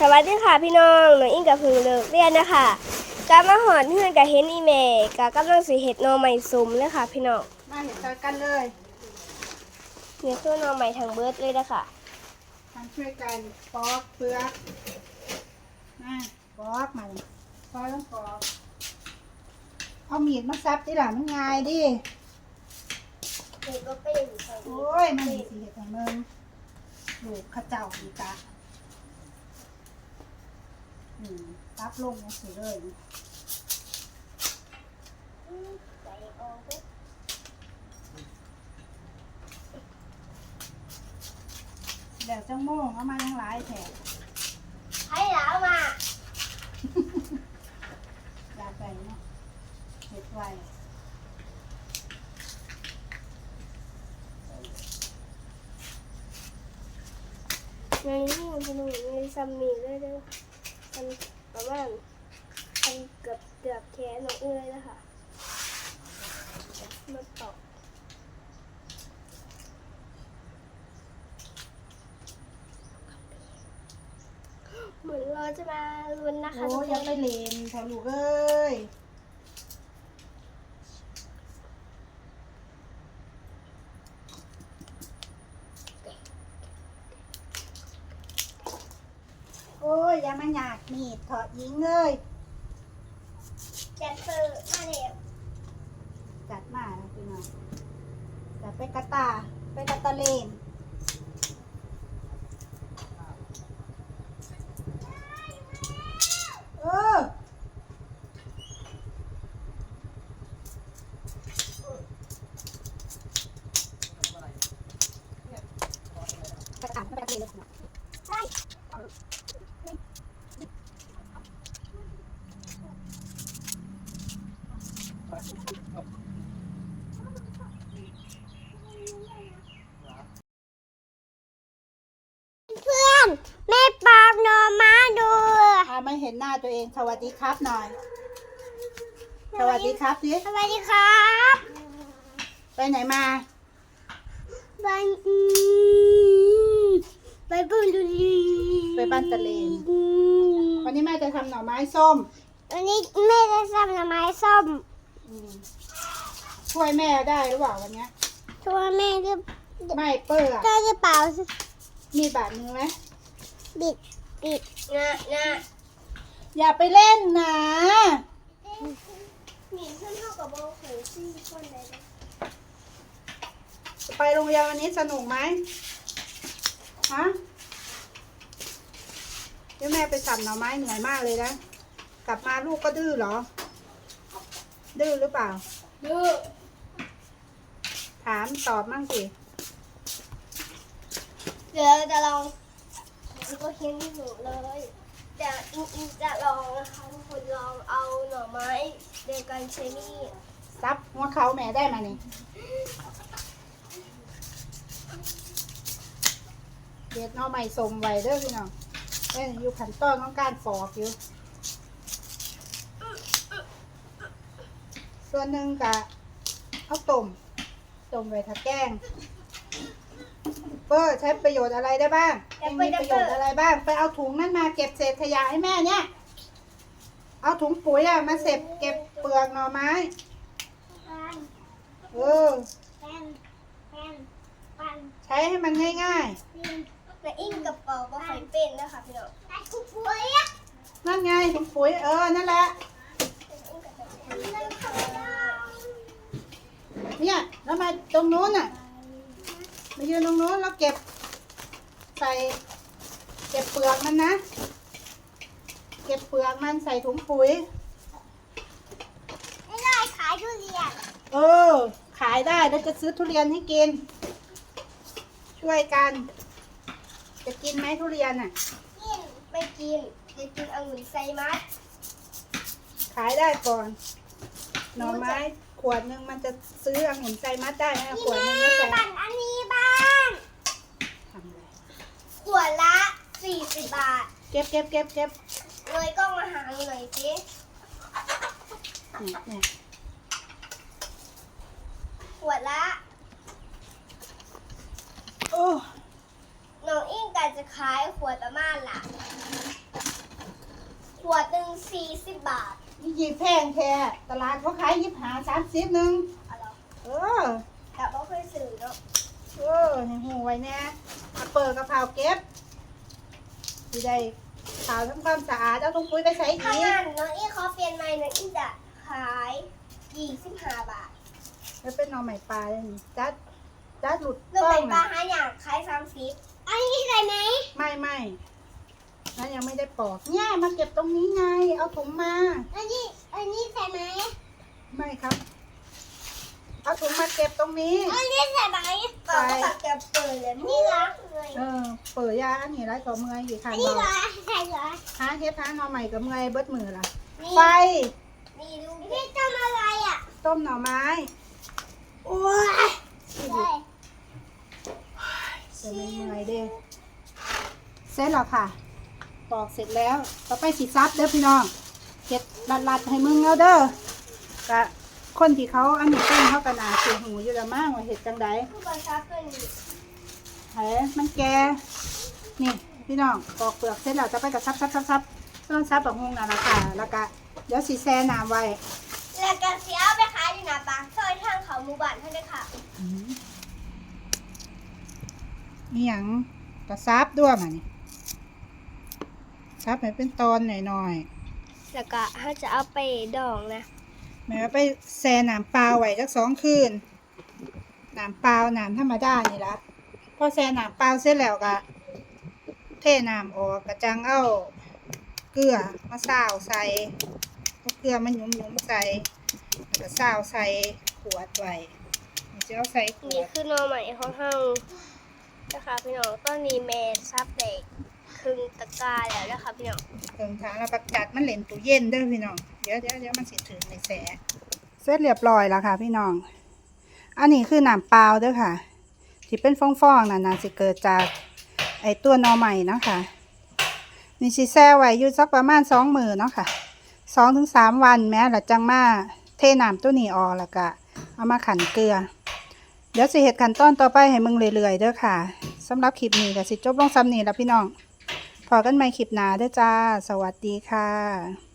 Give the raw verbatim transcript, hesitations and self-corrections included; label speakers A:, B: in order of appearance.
A: สวัสดีค่ะพี่น้องหนูอิงกับพึ่งเลิกเรียนนะคะกามาหอนเพื่อนกับเฮนอีเมกากำลังสีเห็ดนอใหม่ซุ่มเลยค่ะพี่น้อง
B: มาเห็ดกันเลย
A: เนี่ยคือนอใหม่ทางเบิร์ดเลยนะคะ
B: ทำช่วยกันปอกเปลือกมาปอกมาปอกต้องปอกเอามีดมาซับดิหล่ะมันง่ายดิโอ้ยมันมีสีเห็ดของมึงลูกข้าเจ้าดีตาอืมซับลงมาสิเลยเดี๋ยวจังโม่งเอามาทั้งหลายแถบ
A: ให้แล้วมา
B: อยากไปเนาะเห็ดไว
A: ในนี้มันจะหนูในซัมมีเลยเด้อมันประมาณมันเกือบเกือบแขนหนูเอื้อยแล้วค่ะมาตอกเหมือนเราจะมาลุ้นนะคะ
B: โอ้ยังไปเลนแถวลูกเอ้ยโอ้ยอย่ามาหยากมีดเถาะยิงเลย
A: จัดเปิดมาเด็บ
B: จัดมาแล้วพี่น้องจัดไปกระตาไปกระตาเลนเออไปอ่านไปเลนเลยใช่
A: เพื่อนแม่ปอบโนมาดู
B: อ่าไม่เห็นหน้าตัวเองสวัสดีครับหน่อยสวัสดีครับสิ
A: สวัสดีครับ
B: ไปไหนมา
A: ไปไปบุรี
B: ไปบ้านตะเลนวันนี้แม่จะทำหน่อไม้ส้ม
A: วันนี้แม่จะทำหน่อไม้ส้ม
B: ช่วยแม่ได้หรือเปล่าวันนี้
A: ช่วยแม่หรือ
B: ไม่เปื้อ
A: ได้หรือเปล่า
B: มีบาดมือไหม
A: บิดบิดนะนะ
B: อย่าไปเล่นนะ
A: หนีขึ้นเท่ากับโบว์หูซี่คนเลย
B: ไปโรงเรียนวันนี้สนุกไหมฮะเดี๋ยวแม่ไปสั่นหน่อไม้เหนื่อยมากเลยนะกลับมาลูกก็ดื้อเหรอดื้อหรือเปล่า
A: ดื้อ
B: ถามตอบมั่งสิ
A: เดี๋ยวจะลองก็เขียนที่หูเลยจะอินจะลองนะคะทุกคนลองเอาหน่อไม้เดกันเชนี่
B: ซับหัวเขาแม่ได้มานี่เด็ดน้อใหม่สมไว้เด้อพี่น้องเอ้ยอยู่ขั้นตอนของการปอกอยู่ส่วนหนึ่งกะเอาต้มต้มไว้ถ้าแกงเปอร์ใช้ประโยชน์อะไรได้บ้างมีประโยชน์อะไรบ้างไปเอาถุงนั่นมาเก็บเศษขยะให้แม่เนี่ยเอาถุงปุ๋ยอะมาเก็บเก็บเปลือกหน่อไม้เออใช้ให้มันง่าย
A: ๆแต่อิงกับเป่าก็ใส่เป็นนะคะพี่น้องถุงปุ๋ย
B: นั่นไงถุงปุ๋ยเออนั่นแหละเนี่ยแล้วมาตรงนู้นน่ะมายืนตรงนู้นแล้วเก็บใส่เก็บเปลือกมันนะเก็บเปลือกมันใส่ถุงปุ๋ย
A: ไม่ได้ขายทุเรียน
B: เออขายได้แล้วจะซื้อทุเรียนให้กินช่วยกันจะกินไหมทุเรียนอ่ะ
A: กินไม่กินจะกินองุ่นไซมัส
B: ขายได้ก่อนหน่อไม้ขวดหนึ่งมันจะซื้อองุ่นไซมัสได้ไหมขวดหนึ่งไม่ใช่
A: บัตรอันนี้บ้าง
B: ทำเลย
A: ขวดละสี่สิบบาท
B: เก็บเก็บเก็บเก็บ
A: เลยกล้องมาหาหน่อยสิ
B: เนี่ยเนี่ย
A: ขวดละ
B: โอ้
A: น้องอิงกับก็จะขายขวดประมาณละขวดหนึ่งสี่สิบบาท
B: นี่ยีแพงแท้ตลาดเขาขายยิบหาสามสิบหนึ่ง
A: เอาเหรอ
B: เออ
A: แต่บ่เคยซื้อเนาะ
B: เออให้หูไว้แน่เอาเปิดกระเพราเก็บสิได้ขาวทำความสะอาดเอาถุงปุ๋ยไปใส่
A: ถ้า
B: อีก
A: งั้นน้องอี้ขอเปลี่ยนใหม่น้องอี้จะขายยี่สิบห้าบาท
B: แล้วเป็นหน่อใหม่ปลาเลยนี่จัดจัดหลุด
A: น้อง
B: ต้อ
A: เป็
B: ง
A: นปลา
B: นะ
A: หาอย่างขายสามสิบอันนี้ใส่ไหม
B: ไม่ไม่นั่นยังไม่ได้ปอกเนี่ยมาเก็บตรงนี้ไงเอาถุงมา
A: อันนี้อันนี้ใส่ไหม
B: ไม่ครับเอาถุงมาเก็บตรงนี้
A: อันนี้ใส่ไหมก็ตัดเก็บเปิดเลยนี่รักเลย
B: เออเปิดยาอันนี้ไรก็เมื่อยอยู่ทาง
A: อันนี้
B: เรา
A: รักใส่เหรอ
B: หาเฮ็ดหาหน่อใหม่กับเมื่อยเบิดมือล่ะ
A: นี่
B: ไฟ
A: นี่ดูนี่ทำอะไรอ่ะ
B: ต้มหน่อไม้
A: โอ้ยใช่
B: จะไม่เมื่อยเด้เสร็จแล้วค่ะปอกเสร็จแล้วต่อไปสิซับเด้อพี่น้องเก็ดลัดๆให้มึงเอาเด้อกะคนที่เขาอันนี้เป็นเขากันอาเสียหูอยู่ละมั่งว่าเห็ดจังใด
A: ผู้บังคับตัวนี้
B: เฮ้มันแก่นี่พี่น้องปอกเปลือกเสร็จแล้วจะไปกับซับซับซับซับต้นซับแบบงงน่ะละค่ะแล้วก็เดี๋ยวสีแซ่น้ำไว้
A: แล้วก็เสียเอาไปขายอยู่หน้าปากซอยทางเขาหมู่บ้านท่านเลยค่ะ
B: นี่หยังกระซับด้วยมานี่ซับให้เป็นตอนหน่อย
A: แล้วก็ถ้าจะเอาไปดองนะ
B: ๆแม่ว่าไปแซ่น้ำเปล่าไว้จักสองคืนน้ำเปล่าน้ำธรรมดานี่ละพอแซ่น้ำเปล่าเสร็จแล้วก็เทน้ำออกกระจังเอาเกลือมาซาวใส่เอาเกลือมันหยุ่มๆใส่แล้วก็ซาวใส่ขวดไว้เดี๋ยวจะเอาใส่ขว
A: นี่
B: ด
A: คือหนอใหม่ของเฮานะคะพี่น้องตอนนี้แม่ซับเด็กครึ่งตะกร้าแล้วนะคะพี่น้อง
B: เติมทางแล้วประจัดมันเหลนตู้เย็นเด้อพี่น้องเดี๋ยวเดี๋ยวเดี๋ยวมันสิถึงในแสเสร็จเรียบร้อยแล้วค่ะพี่น้องอันนี้คือน้ำเปล่าเด้อค่ะที่เป็นฟองๆน่ะน่าสิเกิดจากไอตัวหนอใหม่เนาะค่ะนี่สิแช่ไว้อยู่สักประมาณสองมื้อเนาะค่ะสองถึงสามวันแม้ละจังมาเทน้ำตัวนี้ออกแล้วก็เอามาขันเกลือเดี๋ยวสิเฮ็ดขั้นตอนต่อไปให้มึงเรื่อยๆเด้อค่ะสำหรับคลิปนี้ก็สิจบลงซ้ำนี้แล้วพี่น้องพอกันใหม่คลิปหน้าเด้อจ้าสวัสดีค่ะ